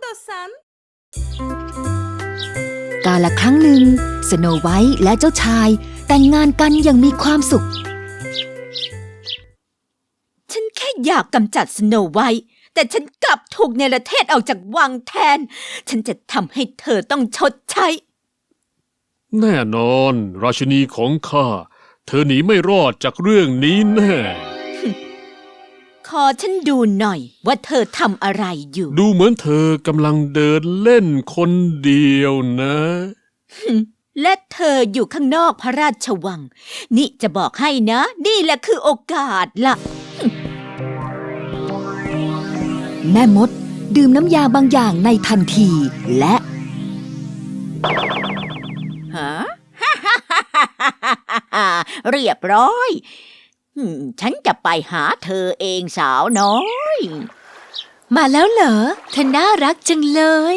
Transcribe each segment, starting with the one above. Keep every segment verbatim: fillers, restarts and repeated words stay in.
さんกาลครั้งหนึ่งสโนไวท์และเจ้าชายแต่งงานกันอย่างมีความสุขฉันแค่อยากกำจัดสโนไวท์แต่ฉันกลับถูกเนรเทศออกจากวังแทนฉันจะทำให้เธอต้องชดใช้แน่นอนราชินีของข้าเธอหนีไม่รอดจากเรื่องนี้แน่ขอฉันดูหน่อยว่าเธอทำอะไรอยู่ดูเหมือนเธอกำลังเดินเล่นคนเดียวนะและเธออยู่ข้างนอกพระราชวังนี่จะบอกให้นะนี่แหละคือโอกาสล่ะแม่มดดื่มน้ำยาบางอย่างในทันทีและฮะ เรียบร้อยฉันจะไปหาเธอเองสาวน้อยมาแล้วเหรอเธอน่ารักจังเลย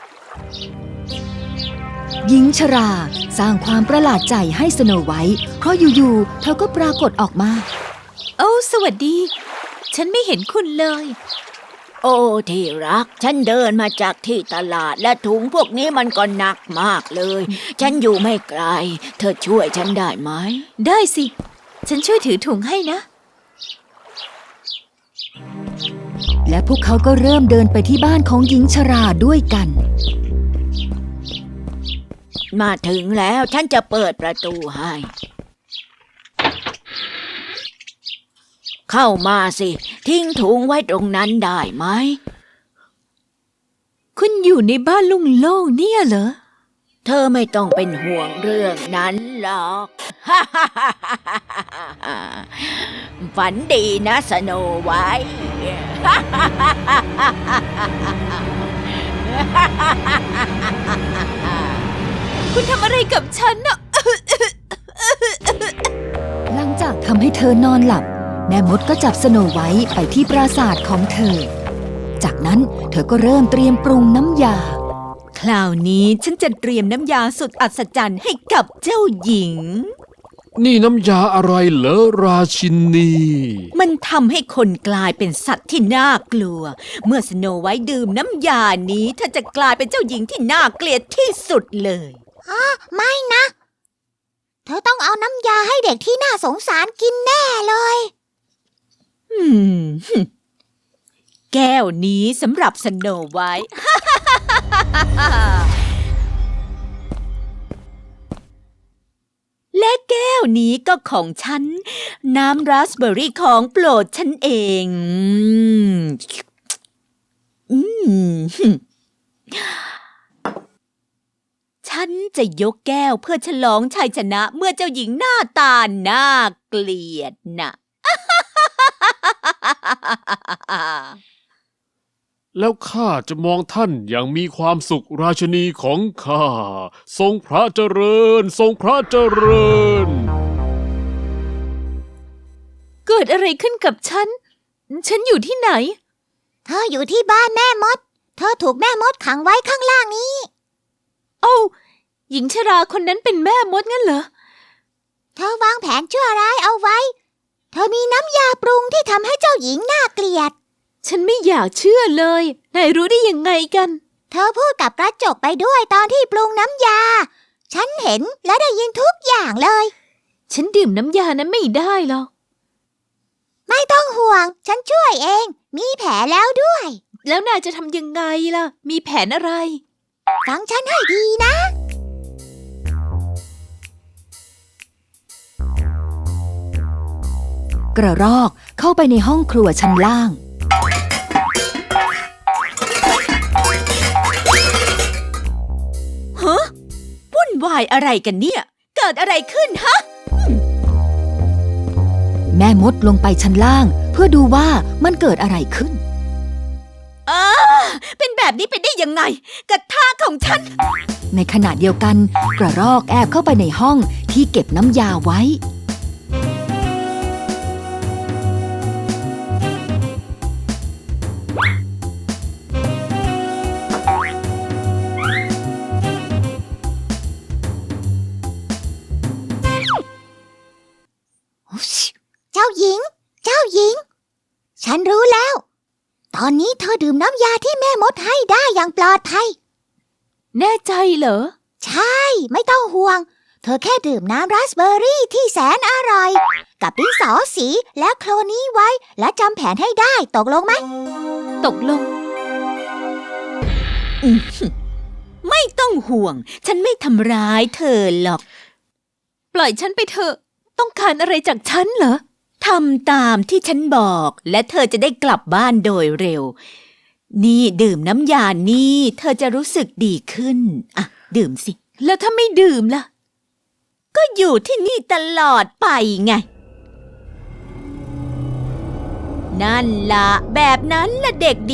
หญิงชราสร้างความประหลาดใจให้สโนไวท์เพราะอยู่ๆเธอก็ปรากฏออกมาโอ้สวัสดีฉันไม่เห็นคุณเลยโอ้ที่รักฉันเดินมาจากที่ตลาดและถุงพวกนี้มันก็หนักมากเลยฉันอยู่ไม่ไกลเธอช่วยฉันได้ไหมได้สิฉันช่วยถือถุงให้นะและพวกเขาก็เริ่มเดินไปที่บ้านของหญิงชราด้วยกันมาถึงแล้วฉันจะเปิดประตูให้เข้ามาสิทิ้งถุงไว้ตรงนั้นได้ไหมคุณอยู่ในบ้านโล่งๆเนี่ยเหรอเธอไม่ต้องเป็นห่วงเรื่องนั้นหรอก ฝันดีนะสโนไวท์คุณทำอะไรกับฉันน่ะ หลังจากทำให้เธอนอนหลับแม่มดก็จับสโนไวท์ไปที่ปราสาทของเธอจากนั้นเธอก็เริ่มเตรียมปรุงน้ำยาคราวนี้ฉันจะเตรียมน้ำยาสุดอัศจรรย์ให้กับเจ้าหญิงนี่น้ำยาอะไรเหรอราชินีมันทำให้คนกลายเป็นสัตว์ที่น่ากลัวเมื่อสโนไวท์ดื่มน้ำยานี้เธอจะกลายเป็นเจ้าหญิงที่น่าเกลียดที่สุดเลยอ๋อไม่นะเธอต้องเอาน้ำยาให้เด็กที่น่าสงสารกินแน่เลยอืมแก้วนี้สำหรับสโนไวท์ และแก้วนี้ก็ของฉันน้ำราสเบอร์รี่ของโปรดฉันเองอืมฉันจะยกแก้วเพื่อฉลองชัยชนะเมื่อเจ้าหญิงหน้าตาน่าเกลียดน่ะแล้วข้าจะมองท่านอย่างมีความสุขราชินีของข้าทรงพระเจริญทรงพระเจริญเกิดอะไรขึ้นกับฉันฉันอยู่ที่ไหนเธออยู่ที่บ้านแม่มดเธอถูกแม่มดขังไว้ข้างล่างนี้โอ้หญิงชราคนนั้นเป็นแม่มดงั้นเหรอเธอวางแผนชั่วร้ายเอาไว้เธอมีน้ำยาปรุงที่ทำให้เจ้าหญิงน่าเกลียดฉันไม่อยากเชื่อเลยนายรู้ได้ยังไงกันเธอพูดกับกระจกไปด้วยตอนที่ปรุงน้ำยาฉันเห็นและได้ยินทุกอย่างเลยฉันดื่มน้ำยานั้นไม่ได้หรอกไม่ต้องห่วงฉันช่วยเองมีแผลแล้วด้วยแล้วนายจะทำยังไงล่ะมีแผนอะไรฟังฉันให้ดีนะกระรอกเข้าไปในห้องครัวชั้นล่างฮะวุ่นวายอะไรกันเนี่ยเกิดอะไรขึ้นฮะแม่มดลงไปชั้นล่างเพื่อดูว่ามันเกิดอะไรขึ้นอ้าเป็นแบบนี้ไปได้ยังไงกระทะของฉันในขณะเดียวกันกระรอกแอบเข้าไปในห้องที่เก็บน้ำยาไว้เจ้าหญิงเจ้าหญิงฉันรู้แล้วตอนนี้เธอดื่มน้ำยาที่แม่มดให้ได้อย่างปลอดภัยแน่ใจเหรอใช่ ไม่ต้องห่วง เธอแค่ดื่มน้ำราสเบอร์รี่ที่แสนอร่อย กับดินสอสีและโคลนี้ไว้ และจำแผนให้ได้ตกลงไหมตกลงไม่ต้องห่วง ฉันไม่ทำร้ายเธอหรอกปล่อยฉันไปเถอะ ต้องการอะไรจากฉันเหรอทำตามที่ฉันบอก และเธอจะได้กลับบ้านโดยเร็ว นี่ดื่มน้ำยานี่เธอจะรู้สึกดีขึ้น อ่ะ ดื่มสิแล้วถ้าไม่ดื่มล่ะก็อยู่ที่นี่ตลอดไปไง นั่นละแบบนั้นละเด็กดี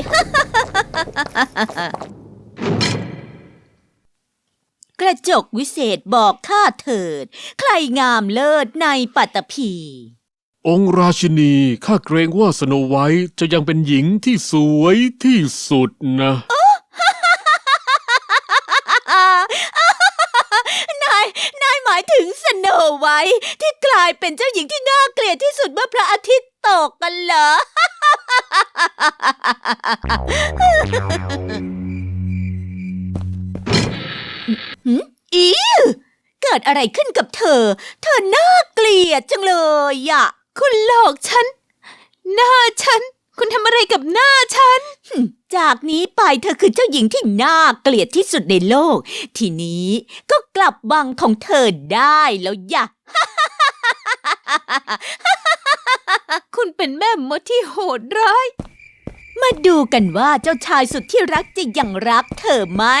กระจกวิเศษบอกข้าเถิด ใครงามเลิศในปัตตภีองค์ราชินีข้าเกรงว่าสโนไวท์จะยังเป็นหญิงที่สวยที่สุดนะนาย นายหมายถึงสโนไวท์ที่กลายเป็นเจ้าหญิงที่น่าเกลียดที่สุดเมื่อพระอาทิตย์ตกกันเหรอ หืมอีเกิดอะไรขึ้นกับเธอ เธอน่าเกลียดจังเลยอะคุณหลอกฉัน หน้าฉัน คุณทำอะไรกับหน้าฉันหึจากนี้ไปเธอคือเจ้าหญิงที่น่าเกลียดที่สุดในโลก ทีนี้ก็กลับวังของเธอได้แล้วย่ะคุณเป็นแม่มดที่โหดร้ายมาดูกันว่าเจ้าชายสุดที่รักจะยังรักเธอไหม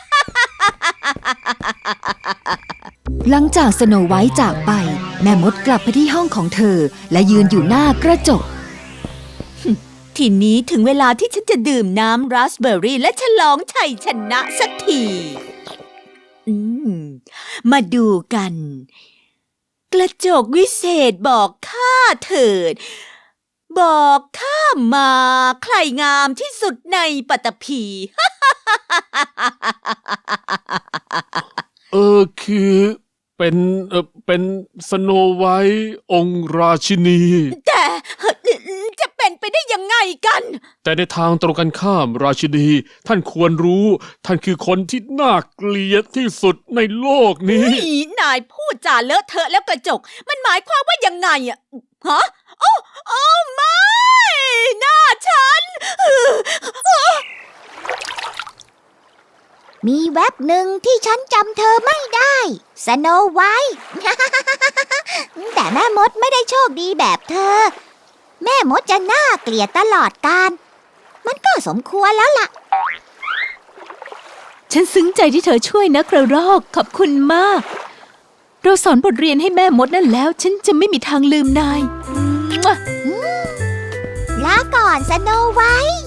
หลังจากสโนไวท์จากไป แม่มดกลับไปที่ห้องของเธอ และยืนอยู่หน้ากระจกทีนี้ถึงเวลาที่ฉันจะดื่มน้ำราสเบอร์รี่และฉลองชัยชนะสักทีอืมมาดูกัน กระจกวิเศษบอกข้าเถิด บอกข้ามาใครงามที่สุดในปัตตภีเออคือเป็นเออเป็นสโนไวท์องค์ราชินีแต่จะเป็นไปได้ยังไงกันแต่ในทางตรงกันข้ามราชินี ท่านควรรู้ ท่านคือคนที่น่าเกลียดที่สุดในโลกนี้นี่นายพูดจาเลอะเทอะแล้วกระจก มันหมายความว่ายังไงอะฮะโอ้โอ้ไม่หน้าฉันมีแว็บหนึ่งที่ฉันจำเธอไม่ได้สโนไวท์ แต่แม่มดไม่ได้โชคดีแบบเธอ แม่มดจะน่าเกลียดตลอดกาลมันก็สมควรแล้วล่ะฉันซึ้งใจที่เธอช่วยนะกระรอก ขอบคุณมาก เราสอนบทเรียนให้แม่มดนั่นแล้ว ฉันจะไม่มีทางลืมนายลาก่อนสโนไวท์